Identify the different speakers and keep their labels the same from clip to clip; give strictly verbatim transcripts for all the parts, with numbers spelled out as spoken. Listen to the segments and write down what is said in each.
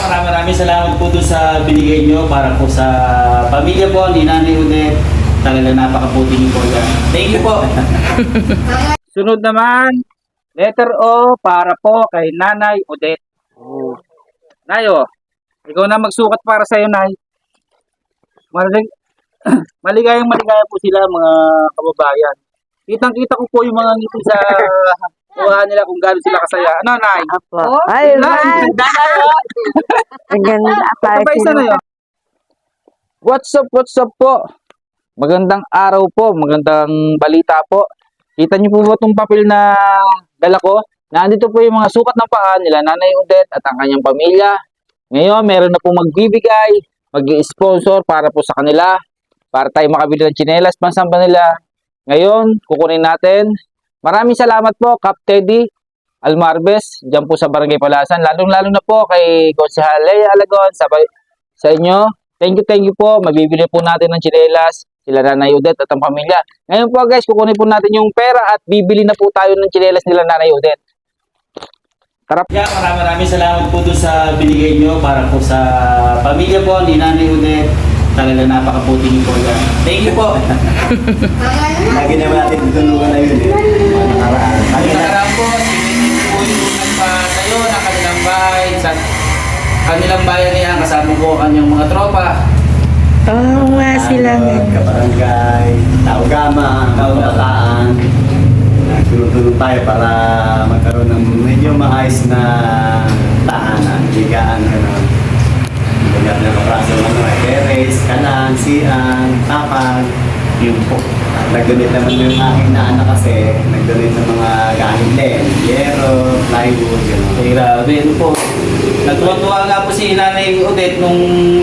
Speaker 1: maraming maraming salamat po doon sa binigay nyo para po sa pamilya po ni Nanay Odette. Talaga napakabuti niyo po yan. Thank you po.
Speaker 2: Sunod naman, letter O para po kay Nanay Odette. Oh. Nay, oh, ikaw na magsukat para sa iyo, Nay. Malig maligayang maligaya po sila, mga kababayan. Kitang-kita ko po yung mga ngiti sa mukha nila kung gaano sila kasaya. Ano, Nay?
Speaker 3: Apo.
Speaker 2: Oh,
Speaker 3: Ay,
Speaker 2: Nay,
Speaker 3: man.
Speaker 2: ganda na yun.
Speaker 3: Ang ganda.
Speaker 2: Ito ba isa na yun? What's up, what's up po? Magandang araw po, magandang balita po. Kita niyo po ba itong papel na dala ko? Nandito po yung mga sukat ng paa nila Nanay Odette at ang kanyang pamilya. Ngayon, meron na po magbibigay, mag-sponsor para po sa kanila, para tayo makabili ng tsinelas, pansamba nila. Ngayon, kukunin natin. Maraming salamat po, Kap Teddy Almarbes, dyan po sa Barangay Palasan. Lalong-lalo na po kay Konsehal Lea Alagon, sa, sa inyo. Thank you, thank you po. Mabibili po natin ng tsinelas, sila Nanay Odette at ang pamilya. Ngayon po guys, kukunin po natin yung pera at bibili na po tayo ng tsinelas nila Nanay Odette. Tara.
Speaker 1: Yeah, maraming maraming salamat po doon sa binigay nyo para po sa pamilya po ni Nanay Odette. Talaga napakabuti niyo po yan. Thank you po.
Speaker 4: Lagi naman natin tutulungan na yun eh. Mga nakaraan.
Speaker 1: Ang nakaraan po, sinigit po yung nagpatayo ng kanilang bahay. Sa kanilang bayan niya, kasama po ang kanyang mga tropa.
Speaker 3: Oo nga sila.
Speaker 4: Kabarangay, Taugama, Kabataan. Nagtulong-tulong tayo para magkaroon ng medyo maayos na tahanan, higaan, gano'n. Ganyan na kapraso ng mga terrace, kanan, sian, tapag, yun po. At nag-donate naman yung aking naanak kasi, nag-donate ng mga gamit din, yero, plywood, gano'n.
Speaker 1: Ay, grabe, ano po. Natuwa-tuwa nga po si Nanay Odette nung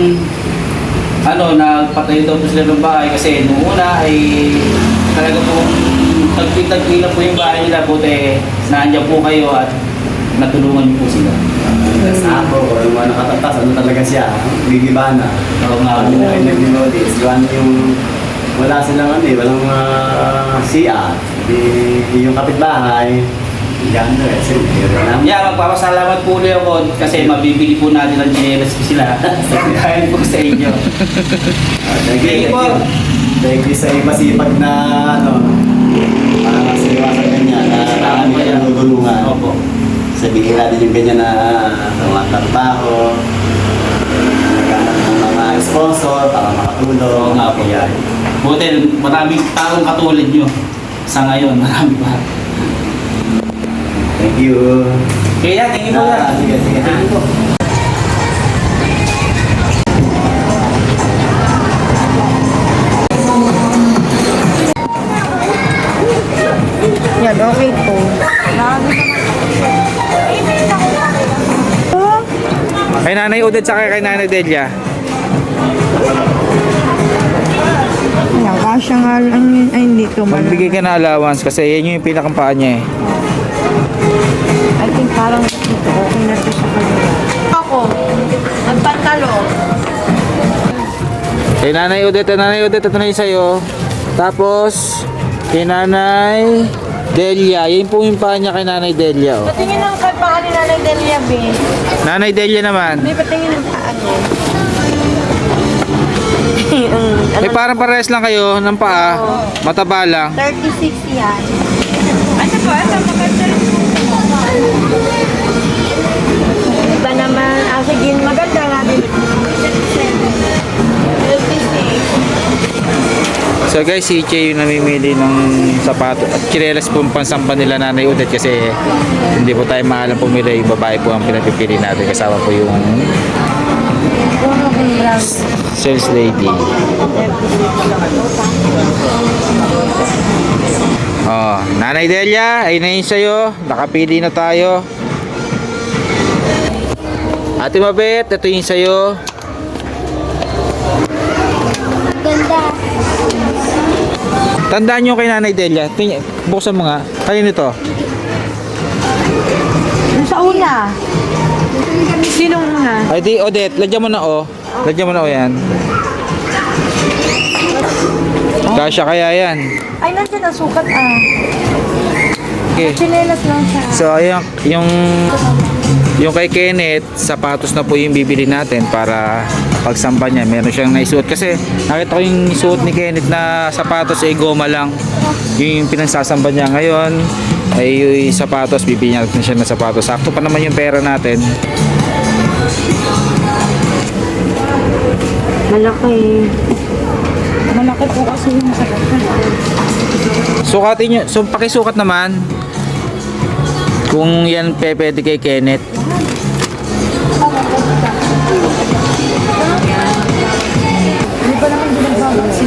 Speaker 1: ano, nagpatayo daw po sila ng bahay kasi nung una ay talaga po tagpi-tagpi lang po yung bahay nila, buti nandiyan po kayo at natulungan niyo po sila.
Speaker 4: Tapos ako, o yung mga nakatatas, ano talaga siya, bigibana.
Speaker 1: Oo nga
Speaker 4: Ano
Speaker 1: po.
Speaker 4: na yung nag-notice, yung yung wala silang ano eh, walang uh, C R, di, yung kapitbahay, yan na eh, siyempre, wala.
Speaker 1: Yeah, magpapasalamat po ulit ako kasi mabibili po natin ang tsinelas ko sila. Dahil po sa inyo.
Speaker 4: Ah, thank you,
Speaker 1: Thank you po.
Speaker 4: Thank you sa masipag na ano, para masiwasan ganyan, na kami kayo tutulungan.
Speaker 1: Opo.
Speaker 4: Sabihin natin yung ganyan na mga trabaho, naghanap ng mga sponsor para makatulong.
Speaker 1: Oo nga po.
Speaker 4: Yan.
Speaker 1: Buti maraming taong katulad nyo. Sa ngayon, marami pa.
Speaker 4: Thank you.
Speaker 1: Kaya, thank you po
Speaker 4: Ah,
Speaker 1: yan.
Speaker 4: sige, sige.
Speaker 1: Thank you po.
Speaker 3: Yan, okay po.
Speaker 2: Kay Nanay Odette sa kay Nanay Delia.
Speaker 3: Yan, kasya nga lang yun. Ay, hindi to man.
Speaker 2: Magbigay ka na allowance kasi yan yung pinakampaan niya eh.
Speaker 3: I think parang dito, okay na to sa kanila. Ako, nagpantalo.
Speaker 2: Kay Nanay Odette, Nanay Odette, ito na yung sa'yo. Tapos, kay Nanay Delia. Yan po yung paa niya kay Nanay Delia. Oh.
Speaker 3: Patingin ng paa ni Nanay Delia, B.
Speaker 2: Nanay Delia naman.
Speaker 3: May patingin ng paa niya.
Speaker 2: May parang parehas lang kayo ng paa. Mataba lang.
Speaker 3: thirty-six yan. Ano po? Ito, maganda rin. Iba naman. Ah, sige, maganda nga din. thirty-six.
Speaker 2: So guys, si Che yung namimili ng sapato at tsinelas po ang pansamba nila Nanay Odette kasi hindi po tayo maalam pumili. Yung babae po ang pinapipili natin. Kasama po yung sales lady. Oh, Nanay Delia, ayun na yun sa'yo. Nakapili na tayo. Ate Mabet, ito yung sa'yo.
Speaker 3: Ganda.
Speaker 2: Tandaan nyo kay Nanay Delia. Ting- Buksan mo nga. Kanino to?
Speaker 3: Sa una. Sinong una?
Speaker 2: Ay di, Odette, lagyan mo na o. Lagyan mo na o yan. Kasya kaya yan.
Speaker 3: Ay, nandiyan ang sukat ah.
Speaker 2: Okay.
Speaker 3: Chinelas lang siya.
Speaker 2: So, ayun, yung Yung kay Kenneth, sapatos na po yung bibili natin para pagsamba niya. Meron siyang naisuot. Kasi nakita ko yung suot ni Kenneth na sapatos ay goma lang. Yung pinagsasamba niya ngayon ay yung sapatos, bibili natin siya ng sapatos. Sakto pa naman yung pera natin.
Speaker 3: Malaki. Malaki po kasi yung sakit.
Speaker 2: Sukatin nyo. So, pakisukat naman. Kung yan pe, pwede kay Kenneth.
Speaker 3: Hindi pa naman ginagawa.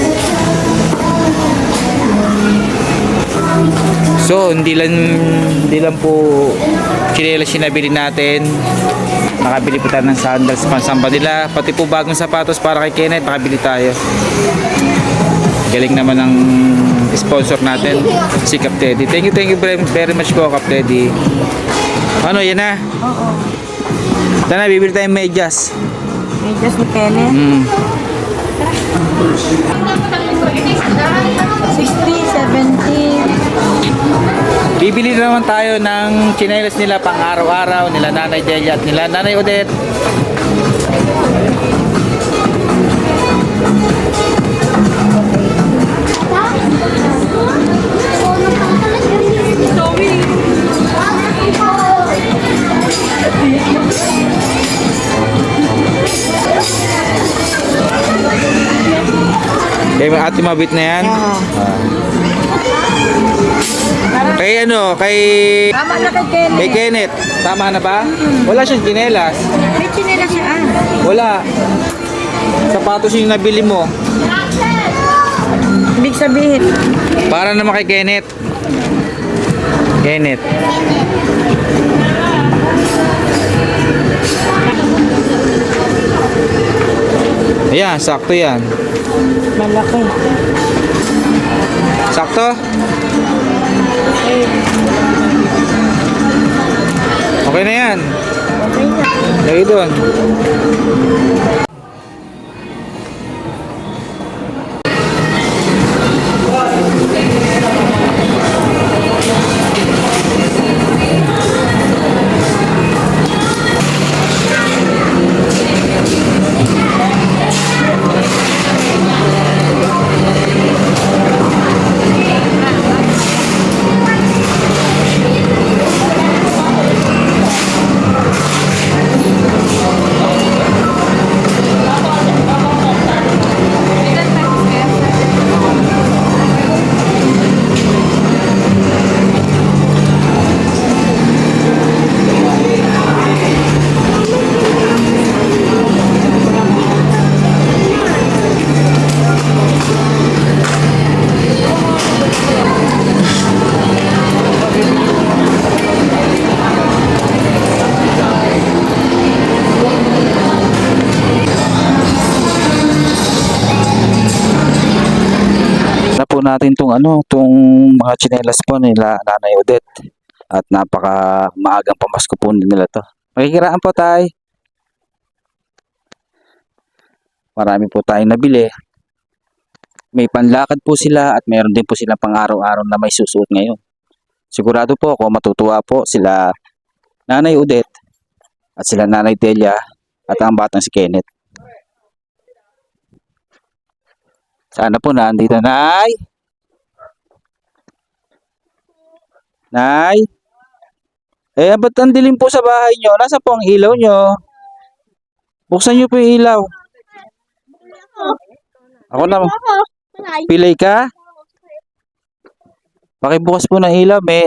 Speaker 2: So, hindi lang, hindi lang po chinelas yung nabili natin. Nakabili po tayo ng sandals pansamba nila. Pati po bagong sapatos para kay Kenneth, nakabili tayo. Galing naman ng sponsor natin, si Kap Teddy. Thank you, thank you very very much po, Kap Teddy. Ano, yan na?
Speaker 3: Oo.
Speaker 2: Tana, bibili tayong medyas.
Speaker 3: Medyas ni Kenneth.
Speaker 2: Mm.
Speaker 3: sixty, seventy.
Speaker 2: Bibili na naman tayo ng chinelas nila pang araw-araw, nila Nanay Delia at nila Nanay Odette. Kay ate mabit na yan?
Speaker 3: Oo.
Speaker 2: Ah. Kay ano, kay
Speaker 3: Tama na kay Kenneth.
Speaker 2: kay Kenneth, tama na ba? Wala siyang chinelas.
Speaker 3: May chinela siya ah.
Speaker 2: Wala. Sapatos yung nabili mo.
Speaker 3: Ibig sabihin,
Speaker 2: Para naman kay Kenneth. Kenneth. Ayan, sakto yan.
Speaker 3: malaki.
Speaker 2: Sakto? Okay na yan.
Speaker 3: Okay na.
Speaker 2: Lagi doon. Na po natin tong ano, tong mga tsinelas po nila Nanay Odette. At napaka maagang pamasko po nila to. Makikiraan po tayo. Marami po tayong nabili. May panlakad po sila at mayroon din po silang pang araw-araw na may susuot ngayon. Sigurado po ako matutuwa po sila Nanay Odette at sila Nanay Delia at ang batang si Kenneth. Sana po nandito, Nay. Nay. Eh, ba't ang dilim po sa bahay nyo? Nasa po ang ilaw nyo? Buksan nyo po yung ilaw. Ako na. Pilay ka? Pakibukas po ng ilaw, me.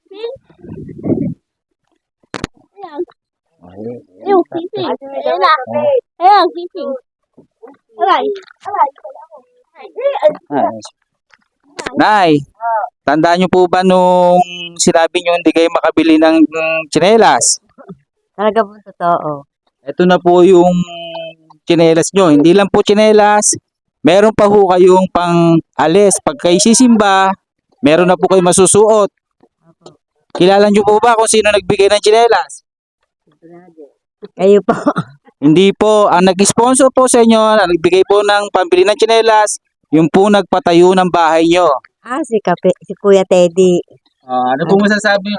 Speaker 5: Yung sising. Ayan na. Ayan, sising. Alay. Alay.
Speaker 2: Ah, Nay, tandaan nyo po ba nung sinabi nyo hindi kayo makabili ng ng tsinelas?
Speaker 3: Talaga po totoo.
Speaker 2: Ito na po yung tsinelas nyo. Hindi lang po tsinelas. Meron pa ho kayong pang alis. Pag kayo sisimba, meron na po kayo masusuot. Kilala nyo po ba kung sino nagbigay ng tsinelas?
Speaker 3: Kayo po.
Speaker 2: Hindi po. Ang nag-sponsor po sa inyo, ang nagbigay po ng pambili ng tsinelas, yung po nagpatayo ng bahay nyo.
Speaker 3: Ah, si, Kape, si Kuya Teddy.
Speaker 2: Ah, ano po masasabi nyo kay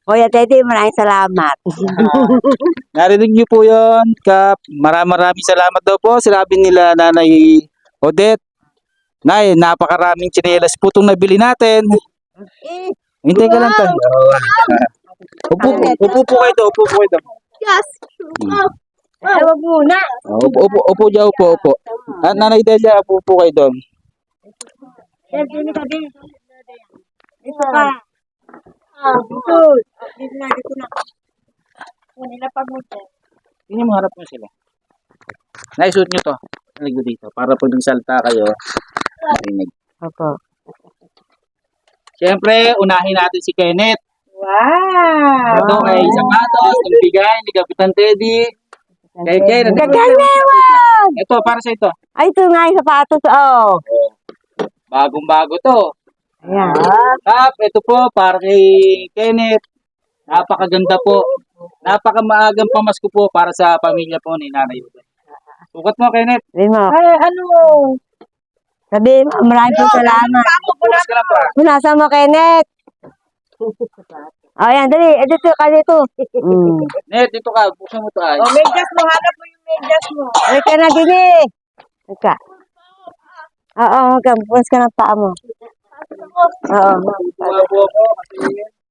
Speaker 3: Kuya Teddy, maraming salamat.
Speaker 2: Narinig niyo po yon, Kap. Maraming maraming salamat daw po. Sinabi nila Nanay Odette. Nay, napakaraming tsinelas po itong nabili natin. Hindi ka lang tayo. Upo, upo po kayo doon, upo po kayo doon.
Speaker 5: Yes.
Speaker 3: Ay, wag muna.
Speaker 2: Oh, Upo, upo, upo dyan, upo, upo. At Nanay Delia, upo po kayo doon.
Speaker 3: Dito ka, dito. Dito ka.
Speaker 5: Ah,
Speaker 3: Dito. Dito na, dito na. Nila pag mo.
Speaker 2: Hindi mo harap mo sila. Naisuot nyo to. Naligo dito. Para pag nagsalta kayo, marinig.
Speaker 3: Opo.
Speaker 2: Siyempre, unahin natin si Kenneth.
Speaker 3: Wow!
Speaker 2: Ito kay Sapatos, ng bigay ni Kapitan Teddy. Kay Kenneth.
Speaker 3: Gagaliwan!
Speaker 2: Ito, para sa ito.
Speaker 3: Ay, ito nga yung sapatos, oh.
Speaker 2: Bagong-bago to.
Speaker 3: Ayan.
Speaker 2: Kap, ito po, para kay Kenneth. Napakaganda po. Napakamaagang pamasko po para sa pamilya po ni Nanay Odette. Sukat mo, Kenneth.
Speaker 3: Sabi mo. Ay, ano? Sabi mo, maraming po salamat.
Speaker 2: Bukas ka lang pa.
Speaker 3: Punasa mo, Kenneth. Oh, yan, dali. Eh, dito ka dito. Mm.
Speaker 2: Net, dito ka. Buksan mo to ay.
Speaker 3: medyas mo. Hanap mo yung medyas mo. Ay, ka na din eh. Ika. Oo, hanggang. Bukas ka ng paa mo. Oo.
Speaker 2: Tuwa po ako kasi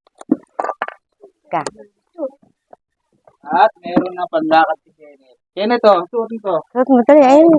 Speaker 3: Ika.
Speaker 2: at meron na panlakad si Kenneth. Kenneth, oh, suot nito.
Speaker 3: Suot mo, dali. Ayun.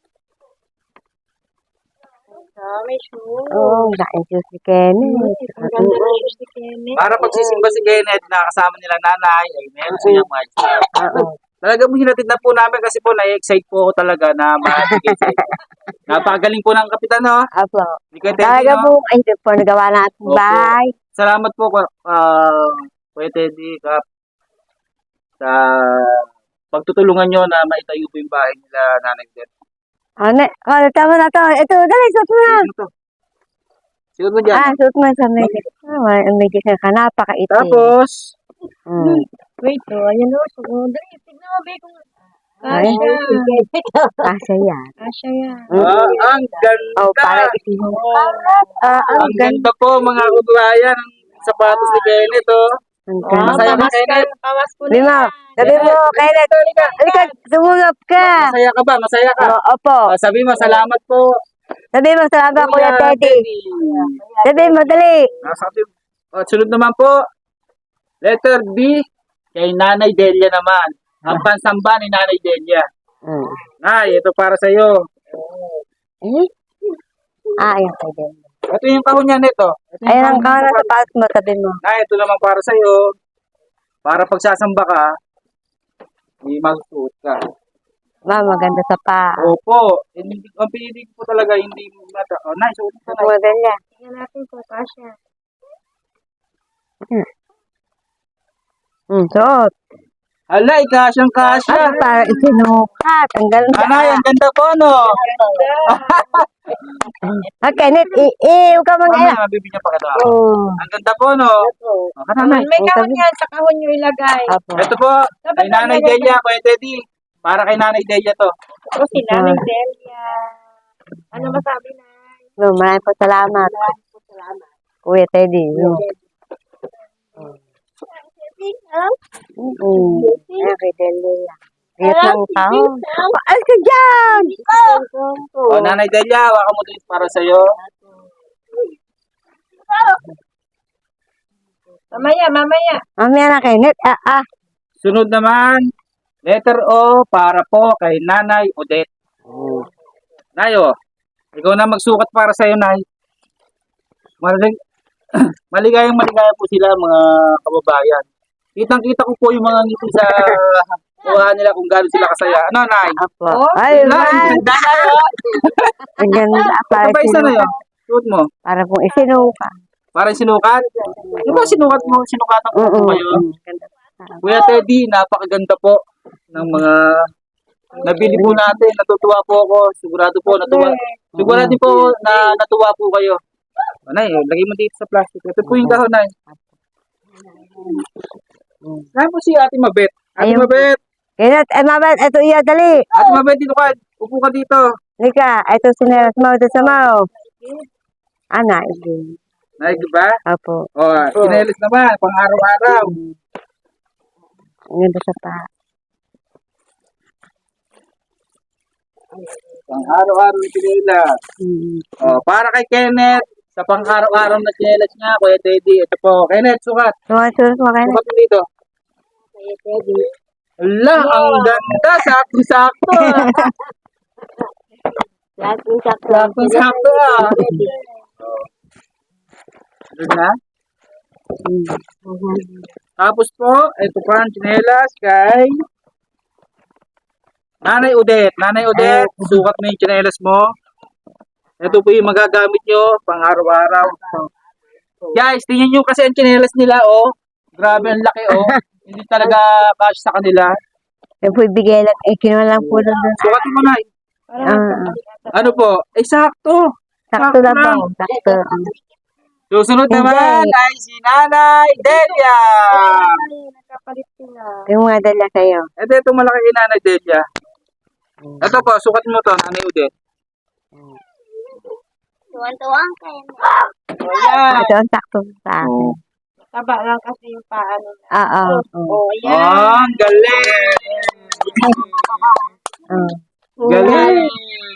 Speaker 3: May shoes. Oo, laking shoes si Kenneth.
Speaker 5: ang ganda ng shoes ni Kenneth.
Speaker 2: Para pagsisimba si Kenneth na kasama nila nanay, ay meron siyang mga shoes.
Speaker 3: Oo.
Speaker 2: Talaga po hinatid na po namin kasi po na-excite po ako talaga na maibigay sa inyo. Napakagaling po ng kapitan, no?
Speaker 3: Apo.
Speaker 2: Hindi ko Teddy,
Speaker 3: Talaga
Speaker 2: no?
Speaker 3: po, ay, ito po, nagawa natin
Speaker 2: Opo.
Speaker 3: bahay.
Speaker 2: Salamat po, uh, Kuya Teddy, Kap, sa pagtutulungan nyo na maitayo po yung bahay nila Nanay Odette.
Speaker 3: Ano? Oh, tama na to. Ito, dali, suot mo na.
Speaker 2: Ano to? Sigod mo dyan.
Speaker 3: Ah, suot mo sa medyas. Ah, ang medyas na ka, napakaitim.
Speaker 2: Tapos,
Speaker 3: Mm.
Speaker 5: Wait, oh, ayan o. So, oh, dali, tignan mo, be, kung
Speaker 3: Ay,
Speaker 5: kasya.
Speaker 3: kasya yan.
Speaker 5: Kasya yan.
Speaker 2: ah, ang ganda.
Speaker 3: Oh, para itim. Ah, ang
Speaker 2: Ang
Speaker 3: ganda.
Speaker 2: ganda po mga kabayan ng sapatos ni Kenneth, oh.
Speaker 3: Ang
Speaker 5: Oh,
Speaker 3: ganda.
Speaker 2: Masaya ka,
Speaker 5: pamas ka,
Speaker 2: Kenneth?
Speaker 5: pamas ko na.
Speaker 3: Lima. Sabi mo, Kenneth. Halika, sumulap ka.
Speaker 2: Masaya ka ba? Masaya ka?
Speaker 3: Oh, opo.
Speaker 2: Ah, sabi mo, salamat po.
Speaker 3: Sabi mo, salamat, Kuya
Speaker 2: Kuya
Speaker 3: Teddy. Sabi mo, dali.
Speaker 2: Ah, sabi, oh, sunod naman po. Letter B, kay Nanay Delia naman. Ang pansamba ni Nanay Delia.
Speaker 3: Mm.
Speaker 2: Nay, ito para sa iyo.
Speaker 3: Eh? Ah, ayan, pwede.
Speaker 2: Ito yung kahon niya nito. Ito yung
Speaker 3: Ayan ang
Speaker 2: kahon
Speaker 3: kawan
Speaker 2: niya.
Speaker 3: sa paas mo, sabi mo.
Speaker 2: Nay, ito naman para sa iyo. Para pagsasamba ka, hindi magsuot ka.
Speaker 3: Ma, maganda sa pa.
Speaker 2: Opo. Hindi, ang pinili ko talaga, hindi mata. Oh, nice. Suot ka na.
Speaker 3: Maganda.
Speaker 5: Tingnan natin kung kasya.
Speaker 3: Hmm, suot.
Speaker 2: Hala, ikasyang kasya.
Speaker 3: Ah, parang isinukat. Ang ganda.
Speaker 2: Anay, ang ganda po, no?
Speaker 3: Ah, Kenneth, eh, eh, huwag ka
Speaker 2: Mamaya,
Speaker 3: mag-aya.
Speaker 2: mabibigyan pa ka daw.
Speaker 3: Oh.
Speaker 2: Ang ganda po, no? Oh, kananay.
Speaker 5: May kahon yan, sa kahon nyo ilagay.
Speaker 3: Apo.
Speaker 2: Ito po, kay Nanay Delia, Kuya Teddy. Para kay Nanay Delia to.
Speaker 5: O, si Nanay Delia. Ano masabi na?
Speaker 3: No, maraming po salamat. Kuya Teddy. No. Mm. Ayan, kay Delia. Ayos lang tao. Ay, ka dyan!
Speaker 2: Oh, Nanay Delia, waka mo ito para sa iyo.
Speaker 5: Mamaya, mamaya.
Speaker 3: Mamaya na, Kenneth. Ah, ah.
Speaker 2: Sunod naman, letter O para po kay Nanay Odette. Nay, oh, ikaw na magsukat para sa iyo, Nay. Malig maligayang maligaya po sila, mga kababayan. Kitang-kita ko po yung mga ngiti sa mukha nila kung gaano sila kasaya. Ano, Nay?
Speaker 3: Apo. Ay,
Speaker 2: Nay,
Speaker 3: man.
Speaker 2: ganda na yun.
Speaker 3: Ang ganda. Para
Speaker 2: Ito ba isa na
Speaker 3: isinukat.
Speaker 2: yun? Suot mo.
Speaker 3: Para pong isinukat.
Speaker 2: Parang sinukat. Di ba sinukat mo, sinukatan ko po
Speaker 3: Oo.
Speaker 2: kayo? Kuya Teddy, napakaganda po ng mga nabili po natin. Natutuwa po ako. Sigurado po, natuwa. Sigurado po na natuwa po kayo. O, Nay, lagay mo dito sa plastic. Ito po yung dahon, Nay. Saan po si Ate Mabet? Ate
Speaker 3: Ayun.
Speaker 2: Mabet!
Speaker 3: Kenneth, eh, mabait. Ito iya, dali.
Speaker 2: Ate Mabet, dito ka. Upo ka dito.
Speaker 3: Lika, ito sinelas mo. Ito sa mo. Ana, ito.
Speaker 2: Naig ba?
Speaker 3: Opo.
Speaker 2: O, chinelas naman, pang araw-araw.
Speaker 3: Ang ganda sa pa.
Speaker 2: Pang araw-araw na chinelas.
Speaker 3: Mm.
Speaker 2: O, para kay Kenneth, sa pang araw-araw na chinelas niya, Kuya Teddy. Ito po, Kenneth, sukat.
Speaker 3: Sumasurot mo kayo.
Speaker 2: Sukat mo dito. Ala, ang ganda. Sakto-sakto ah. Sakto-sakto ah. Doon na. Tapos po, ito pa ang chinelas kay Nanay Odette. Nanay Odette, sukat mo yung chinelas mo. Ito po yung magagamit nyo pang araw-araw. Guys, tingnan nyo kasi ang chinelas nila, oh. Grabe, ang laki, oh. Hindi talaga cash sa kanila.
Speaker 3: Yung po ibigay lang, eh, kinuha lang po doon.
Speaker 2: Sukat mo na.
Speaker 3: Ah,
Speaker 2: Ano po? Eh, sakto.
Speaker 3: sakto lang po. Sakto.
Speaker 2: Susunod naman ay si Nanay Delia.
Speaker 5: Nagkapalit sila.
Speaker 3: Yung mga dala kayo.
Speaker 2: Ito, ito malaki kay Nanay Delia. Ito po, sukat mo to, Nanay Odette.
Speaker 5: Tuwan-tuwang kayo.
Speaker 2: Ayan.
Speaker 3: Ito ang sakto sa akin.
Speaker 2: Oh.
Speaker 5: Taba lang kasi yung paa nila.
Speaker 3: Ah, ah.
Speaker 5: Oh,
Speaker 2: Oh,
Speaker 5: yan.
Speaker 2: ang galing.
Speaker 3: Ah.
Speaker 2: Galing.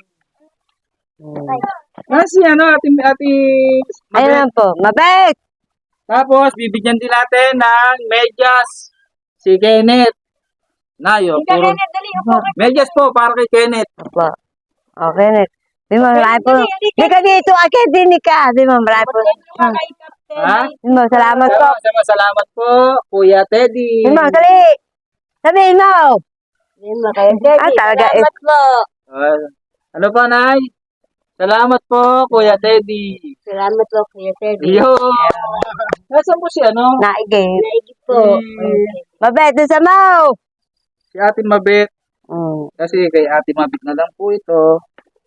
Speaker 2: Kasi ano, ati, ati,
Speaker 3: Ayun lang po. Mabait!
Speaker 2: tapos, bibigyan din natin ng medyas si Kenneth. Nayo,
Speaker 5: Hindi
Speaker 2: puro.
Speaker 5: na, dali. Upo ka.
Speaker 2: Medyas po, para kay Kenneth.
Speaker 3: Opo. Okay, net. Di mo, marami po. Di ka dito, akit din ka. Di mo, marami po. Ah.
Speaker 5: Kay Captain.
Speaker 2: Ha?
Speaker 3: Di mo, salamat po.
Speaker 2: Salamat, salamat po, Kuya Teddy.
Speaker 3: Di mo, dali. Sabihin mo. Di mo, kayo Ah, talaga. eh.
Speaker 5: Salamat po.
Speaker 2: Ah, ano pa, Nay? Salamat po, Kuya Teddy.
Speaker 5: Salamat po, Kuya Teddy.
Speaker 2: Yo! Nasaan po si ano?
Speaker 3: Naigay.
Speaker 5: Naigi po.
Speaker 3: Mabait doon sa mo.
Speaker 2: Si Ate Mabit.
Speaker 3: Mm.
Speaker 2: Kasi kay Ate Mabit na lang po ito.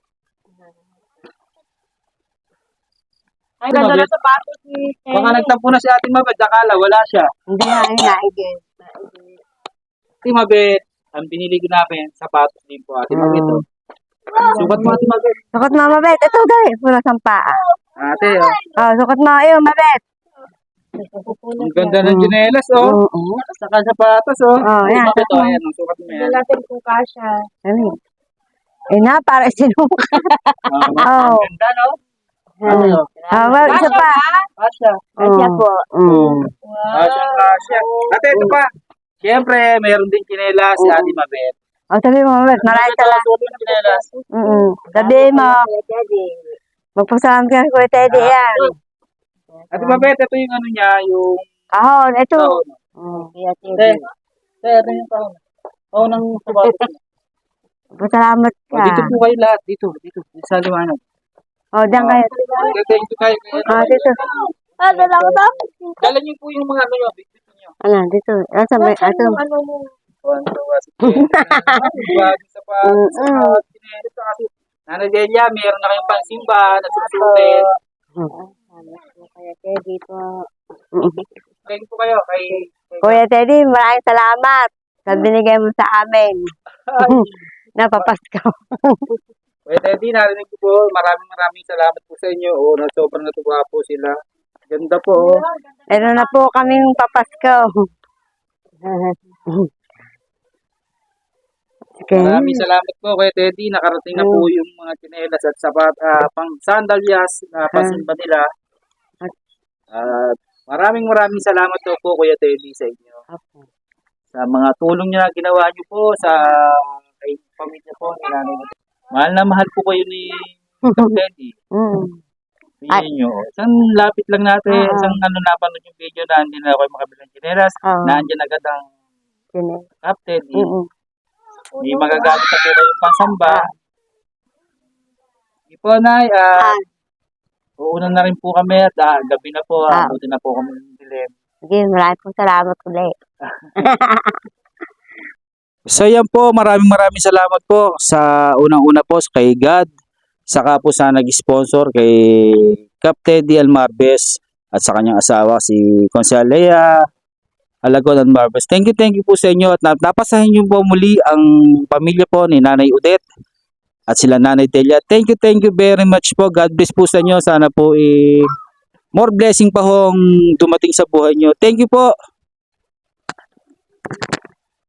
Speaker 5: Ang ganda na sapatos ni
Speaker 2: Baka nagtampo na si Ate Mabit, akala wala siya.
Speaker 3: Hindi nga, ay naigay.
Speaker 2: Ate Mabit, ang binili ko namin, sapatos din po Ate Mabit. Oh. Sukat mo Ate Mabit.
Speaker 3: Sukat mo, mabait. Ito, dali. Pura sampaa.
Speaker 2: Ate, oh.
Speaker 3: Oh, sukat mo. Ayun, mabait.
Speaker 2: Ang ganda ng chinelas, oh.
Speaker 3: Oo.
Speaker 2: Saka sapatos, oh.
Speaker 3: Oh,
Speaker 2: Ate
Speaker 3: yan.
Speaker 2: Mabit, oh. Ayan, oh, sukat mo
Speaker 5: Tingnan
Speaker 2: yan.
Speaker 5: natin kung kasha.
Speaker 3: Ano? Eh na, para sinuka.
Speaker 2: Ah,
Speaker 3: Oh.
Speaker 2: ang ganda, no? Ano yun?
Speaker 3: Ah, well, isa pa.
Speaker 2: Asya.
Speaker 3: Kasya po. Mm.
Speaker 2: Asya, asya. Ate, ito pa. Siyempre, mayroon din chinelas si Ate Mabet.
Speaker 3: Oh, sabi mo, mabait. Maraming salamat.
Speaker 2: Suot yung chinelas.
Speaker 3: Mm. Sabi mo. Magpasalamat ka kay Kuya Teddy yan.
Speaker 2: Ate Mabet, ito yung ano niya, yung
Speaker 3: Kahon, ito.
Speaker 2: taon.
Speaker 3: Mm.
Speaker 2: Ate, ate, ito yung taon. Taon ng sapatos.
Speaker 3: Magpasalamat
Speaker 2: Oh,
Speaker 3: ka.
Speaker 2: dito po kayo lahat. Dito, dito. Dito sa liwanag.
Speaker 3: Oh, diyan kayo.
Speaker 2: Dito, dito kayo.
Speaker 3: Ah, dito.
Speaker 5: Ah, dala ko to.
Speaker 2: Dala niyo po yung mga ano nyo. Dito niyo.
Speaker 3: Ano, dito. Ah, sa may, ato.
Speaker 5: Ano mo?
Speaker 2: Tuwan, tuwa. Bagong sapatos.
Speaker 3: Mm-mm.
Speaker 2: Chinelas. Kasi, Nanay Delia, mayroon na kayong pansimba na susutin.
Speaker 5: Kuya Teddy po.
Speaker 2: Thank po kayo kay...
Speaker 3: Kuya Teddy, maraming salamat sa binigay mo sa amin. Napapasko.
Speaker 2: Kuya Teddy, narinig ko po. Maraming maraming salamat po sa inyo. Oo, na sobrang natuwa po sila. Ganda po. Oh.
Speaker 3: Meron na po kaming papasko. Okay.
Speaker 2: Maraming salamat po Kuya Teddy. Nakarating na po yung mga chinelas at sapat, ah, pang sandalyas na pasimba nila. At maraming maraming salamat po, po Kuya Teddy sa inyo. Sa mga tulong niyo na ginawa niyo po sa kay pamilya po ni Nanay Odette. Mahal na mahal po kayo ni Kuya Teddy.
Speaker 3: Mm.
Speaker 2: Pinili niyo. Isang lapit lang natin,
Speaker 3: Ah.
Speaker 2: isang ano napanood yung video na hindi na ako makabilang chinelas.
Speaker 3: Ah.
Speaker 2: Nandiyan agad ang
Speaker 3: Sine.
Speaker 2: Captain.
Speaker 3: Mm-mm.
Speaker 2: May magagamit na po kayong pansamba. Hindi po, Nay. Ah,
Speaker 3: Ah.
Speaker 2: uuna na rin po kami at ah, gabi na po.
Speaker 3: Ah.
Speaker 2: Ah. Buti na po kami ng dilim.
Speaker 3: Sige, maraming po salamat ulit.
Speaker 2: So yan po, maraming maraming salamat po sa unang-una po kay God, saka po sa nag-sponsor kay Captain D. Almarbes at sa kanyang asawa si Consalea Alagon and Marbes. Thank you, thank you po sa inyo at nap- napasahin niyo po muli ang pamilya po ni Nanay Odette at sila Nanay Delia. Thank you, thank you very much po. God bless po sa inyo. Sana po eh, more blessing pa hong dumating sa buhay nyo. Thank you po.